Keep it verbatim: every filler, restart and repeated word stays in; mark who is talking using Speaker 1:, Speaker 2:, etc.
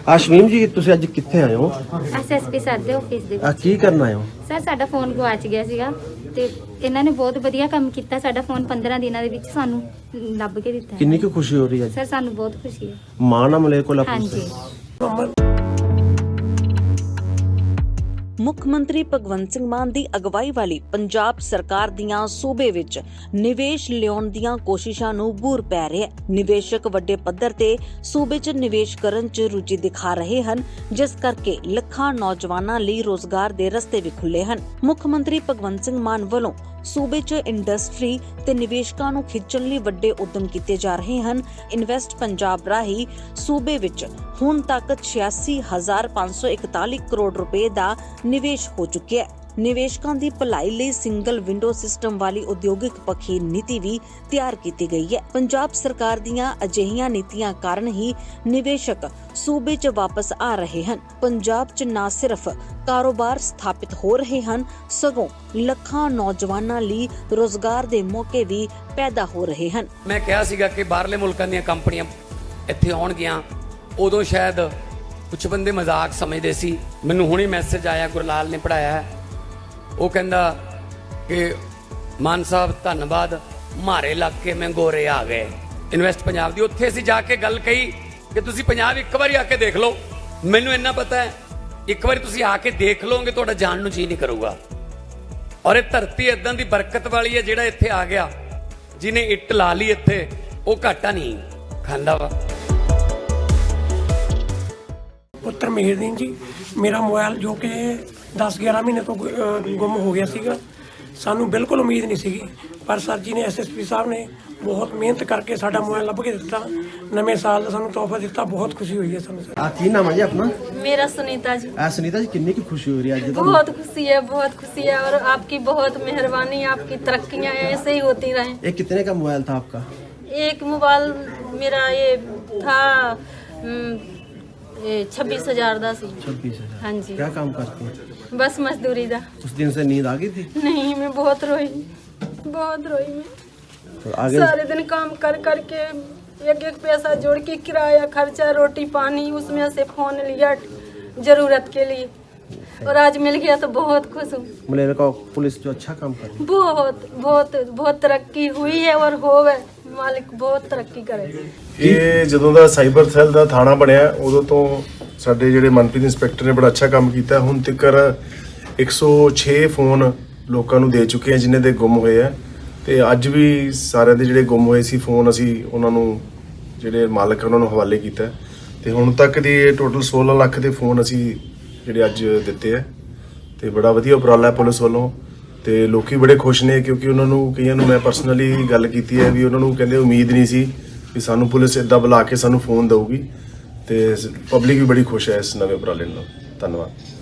Speaker 1: ਆਸ਼ਮੀਮ ਜੀ ਤੁਸੀਂ ਅੱਜ ਕਿੱਥੇ ਆਏ ਹੋ?
Speaker 2: ਐਸਐਸਪੀ ਸਰ ਦੇ ਆਫਿਸ ਦੇ
Speaker 1: ਆ
Speaker 2: ਵਿੱਚ।
Speaker 1: ਕੀ ਕਰਨ ਆਏ ਹੋ?
Speaker 2: ਸਰ ਸਾਡਾ ਫੋਨ ਗਵਾਚ ਗਿਆ ਸੀਗਾ ਤੇ ਇਹਨਾਂ ਨੇ ਬਹੁਤ ਵਧੀਆ ਕੰਮ ਕੀਤਾ। ਸਾਡਾ ਫੋਨ ਪੰਦਰਾਂ ਦਿਨਾਂ ਦੇ ਵਿੱਚ ਸਾਨੂੰ ਲੱਭ ਕੇ ਦਿੱਤਾ।
Speaker 1: ਕਿੰਨੀ ਕੁ ਖੁਸ਼ੀ ਹੋ ਰਹੀ ਹੈ?
Speaker 2: ਸਰ ਸਾਨੂੰ ਬਹੁਤ ਖੁਸ਼ੀ ਹੈ।
Speaker 1: ਮਾਣ ਆ ਮਲੇਰਕੋਟਲਾ ਪੁਲਿਸ
Speaker 2: ਹਾਂਜੀ।
Speaker 1: ਤੇ?
Speaker 3: ਮੁੱਖ ਮੰਤਰੀ ਭਗਵੰਤ ਸਿੰਘ ਮਾਨ ਦੀ ਅਗਵਾਈ ਵਾਲੀ ਪੰਜਾਬ ਸਰਕਾਰ ਦੀਆਂ ਸੂਬੇ ਵਿੱਚ ਨਿਵੇਸ਼ ਲਿਆਉਣ ਦੀਆਂ ਕੋਸ਼ਿਸ਼ਾਂ ਨੂੰ ਬੂਰ ਪੈ ਰਿਹਾ ਹੈ। ਨਿਵੇਸ਼ਕ ਵੱਡੇ ਪੱਧਰ ਤੇ ਸੂਬੇ 'ਚ ਨਿਵੇਸ਼ ਕਰਨ 'ਚ ਰੁਚੀ ਦਿਖਾ ਰਹੇ ਹਨ, ਜਿਸ ਕਰਕੇ ਲੱਖਾਂ ਨੌਜਵਾਨਾਂ ਲਈ ਰੋਜ਼ਗਾਰ ਦੇ ਰਸਤੇ ਵੀ ਖੁੱਲੇ ਹਨ। ਮੁੱਖ ਮੰਤਰੀ ਭਗਵੰਤ ਸਿੰਘ ਮਾਨ ਵੱਲੋਂ ਸੂਬੇ 'ਚ ਇੰਡਸਟਰੀ ਤੇ ਨਿਵੇਸ਼ਕਾਂ ਨੂੰ ਖਿੱਚਣ ਲਈ ਵੱਡੇ ਉਦਮ ਕੀਤੇ ਜਾ ਰਹੇ ਹਨ। ਇਨਵੈਸਟ ਪੰਜਾਬ ਰਾਹੀਂ ਸੂਬੇ ਵਿੱਚ ਹੁਣ ਤੱਕ ਛਿਆਸੀ ਹਜ਼ਾਰ ਪੰਜ ਸੌ ਇਕਤਾਲੀ ਕਰੋੜ ਰੁਪਏ ਦਾ ਨਿਵੇਸ਼ ਹੋ ਚੁੱਕਿਆ ਹੈ। ਨਿਵੇਸ਼ਕਾਂ ਦੀ ਭਲਾਈ ਲਈ ਸਿੰਗਲ ਵਿੰਡੋ ਸਿਸਟਮ ਵਾਲੀ ਉਦਯੋਗਿਕ ਪੱਖੀ ਨੀਤੀ ਵੀ ਤਿਆਰ ਕੀਤੀ ਗਈ ਹੈ। ਪੰਜਾਬ ਸਰਕਾਰ ਦੀਆਂ ਅਜਿਹੀਆਂ ਨੀਤੀਆਂ ਕਾਰਨ ਹੀ ਨਿਵੇਸ਼ਕ ਸੂਬੇ 'ਚ ਵਾਪਸ ਆ ਰਹੇ ਹਨ। ਪੰਜਾਬ 'ਚ ਨਾ ਸਿਰਫ ਕਾਰੋਬਾਰ ਸਥਾਪਿਤ ਹੋ ਰਹੇ ਹਨ, ਸਗੋਂ ਲੱਖਾਂ ਨੌਜਵਾਨਾਂ ਲਈ ਰੋਜ਼ਗਾਰ ਦੇ ਮੌਕੇ ਵੀ ਪੈਦਾ ਹੋ ਰਹੇ ਹਨ।
Speaker 4: ਮੈਂ ਕਿਹਾ ਸੀਗਾ ਕਿ ਬਾਹਰਲੇ ਮੁਲਕਾਂ ਦੀਆਂ ਕੰਪਨੀਆਂ ਇੱਥੇ ਆਉਣਗੀਆਂ, ਉਦੋਂ ਸ਼ਾਇਦ ਕੁਝ ਬੰਦੇ ਮਜ਼ਾਕ ਸਮਝਦੇ ਸੀ। ਮੈਨੂੰ ਹੁਣੇ ਮੈਸੇਜ ਆਇਆ, ਗੁਰਲਾਲ ਨੇ ਪੜਾਇਆ ਹੈ, ਉਹ ਕਹਿੰਦਾ ਕਿ ਮਾਨ ਸਾਹਿਬ ਧੰਨਵਾਦ, ਮਾਰੇ ਇਲਾਕੇ ਮੈਂ ਗੋਰੇ ਆ ਗਏ। ਇਨਵੈਸਟ ਪੰਜਾਬ ਦੀ ਉੱਥੇ ਅਸੀਂ ਜਾ ਕੇ ਗੱਲ ਕਹੀ ਕਿ ਤੁਸੀਂ ਪੰਜਾਬ ਇੱਕ ਵਾਰੀ ਆ ਕੇ ਦੇਖ ਲਓ। ਮੈਨੂੰ ਇੰਨਾ ਪਤਾ ਹੈ, ਇੱਕ ਵਾਰੀ ਤੁਸੀਂ ਆ ਕੇ ਦੇਖ ਲਓਗੇ ਤੁਹਾਡਾ ਜਾਣ ਨੂੰ ਜੀ ਨਹੀਂ ਕਰੂਗਾ। ਔਰ ਇਹ ਧਰਤੀ ਇਦਾਂ ਦੀ ਬਰਕਤ ਵਾਲੀ ਹੈ, ਜਿਹੜਾ ਇੱਥੇ ਆ ਗਿਆ, ਜਿਹਨੇ ਇੱਟ ਲਾ ਲਈ ਇੱਥੇ, ਉਹ ਘਾਟਾ ਨਹੀਂ ਖਾਂਦਾ ਵਾ।
Speaker 5: ਪੁੱਤਰ ਮਿਹਰਦੀਨ ਜੀ, ਮੇਰਾ ਮੋਬਾਈਲ ਜੋ ਕਿ ਦਸ ਗਿਆਰਾਂ ਮਹੀਨੇ ਤੋਂ ਗੁੰਮ ਹੋ ਗਿਆ ਸੀਗਾ, ਸਾਨੂੰ ਬਿਲਕੁਲ ਉਮੀਦ ਨਹੀਂ ਸੀਗੀ, ਪਰ ਸਰ ਜੀ ਨੇ ਐਸਐਸਪੀ ਸਾਹਿਬ ਨੇ ਬਹੁਤ ਮਿਹਨਤ ਕਰਕੇ ਸਾਡਾ ਮੋਬਾਈਲ ਲੱਭ ਕੇ ਦਿੱਤਾ। ਨਵੇਂ ਸਾਲ ਦਾ ਸਾਨੂੰ ਤੋਹਫਾ ਦਿੱਤਾ, ਬਹੁਤ ਖੁਸ਼ੀ ਹੋਈ ਹੈ ਸਾਨੂੰ ਸਰ।
Speaker 1: ਆ ਕੀ ਨਾਮ ਹੈ ਜੀ ਆਪਣਾ?
Speaker 6: मेरा सुनीता जी।
Speaker 1: ਆ ਸੁਨੀਤਾ ਜੀ ਕਿੰਨੀ ਕੁ ਖੁਸ਼ੀ ਹੋ ਰਹੀ ਹੈ ਅੱਜ?
Speaker 6: बहुत खुशी है, बहुत खुशी है, और आपकी बहुत मेहरबानी, आपकी तरक्कियां ऐसे ही होती रहें।
Speaker 1: ये कितने का मोबाइल था आपका?
Speaker 6: एक मोबाइल मेरा ये था छब्बीस हजार का सी।
Speaker 1: छब्बीस हजार
Speaker 6: हाँ जी।
Speaker 1: क्या काम करती है?
Speaker 6: बस मजदूरी दा।
Speaker 1: उस दिन से नींद आ गई थी?
Speaker 6: नहीं, मैं बहुत रोई, बहुत रोई मैं।
Speaker 1: तो आगे
Speaker 6: सारे दिन काम कर करके एक एक पैसा जोड़ के किराया खर्चा रोटी पानी उसमें से फोन लिया जरूरत के लिए, और आज मिल गया तो बहुत खुश हूँ।
Speaker 1: मलेरकॉटला पुलिस जो अच्छा काम कर रही है,
Speaker 6: बहुत बहुत बहुत तरक्की हुई है और होवे, मालिक बहुत तरक्की करे।
Speaker 7: ਇਹ ਜਦੋਂ ਦਾ ਸਾਈਬਰ ਸੈੱਲ ਦਾ ਥਾਣਾ ਬਣਿਆ ਉਦੋਂ ਤੋਂ ਸਾਡੇ ਜਿਹੜੇ ਮਨਪ੍ਰੀਤ ਇੰਸਪੈਕਟਰ ਨੇ ਬੜਾ ਅੱਛਾ ਕੰਮ ਕੀਤਾ। ਹੁਣ ਤੱਕ ਇੱਕ ਸੌ ਛੇ ਫੋਨ ਲੋਕਾਂ ਨੂੰ ਦੇ ਚੁੱਕੇ ਆ ਜਿਨ੍ਹਾਂ ਦੇ ਗੁੰਮ ਹੋਏ ਆ, ਤੇ ਅੱਜ ਵੀ ਸਾਰਿਆਂ ਦੇ ਜਿਹੜੇ ਗੁੰਮ ਹੋਏ ਸੀ ਫੋਨ ਅਸੀਂ ਉਹਨਾਂ ਨੂੰ ਜਿਹੜੇ ਮਾਲਕ ਉਹਨਾਂ ਨੂੰ ਹਵਾਲੇ ਕੀਤਾ, ਤੇ ਹੁਣ ਤੱਕ ਦੀ ਟੋਟਲ ਸੋਲਾਂ ਲੱਖ ਦੇ ਫੋਨ ਅਸੀਂ ਜਿਹੜੇ ਅੱਜ ਦਿੱਤੇ ਆ, ਤੇ ਬੜਾ ਵਧੀਆ ਉਪਰਾਲਾ ਪੁਲਿਸ ਵੱਲੋਂ, ਤੇ ਲੋਕੀ ਬੜੇ ਖੁਸ਼ ਨੇ ਕਿਉਂਕਿ ਉਹਨਾਂ ਨੂੰ ਕਈਆਂ ਨੂੰ ਮੈਂ ਪਰਸਨਲੀ ਗੱਲ ਕੀਤੀ ਹੈ ਵੀ ਉਹਨਾਂ ਨੂੰ ਕਹਿੰਦੇ ਉਮੀਦ ਨਹੀਂ ਸੀ ਵੀ ਸਾਨੂੰ ਪੁਲਿਸ ਇੱਦਾਂ ਬੁਲਾ ਕੇ ਸਾਨੂੰ ਫੋਨ ਦਊਗੀ, ਤੇ ਪਬਲਿਕ ਵੀ ਬੜੀ ਖੁਸ਼ ਹੈ ਇਸ ਨਵੇਂ ਉਪਰਾਲੇ ਨਾਲ। ਧੰਨਵਾਦ।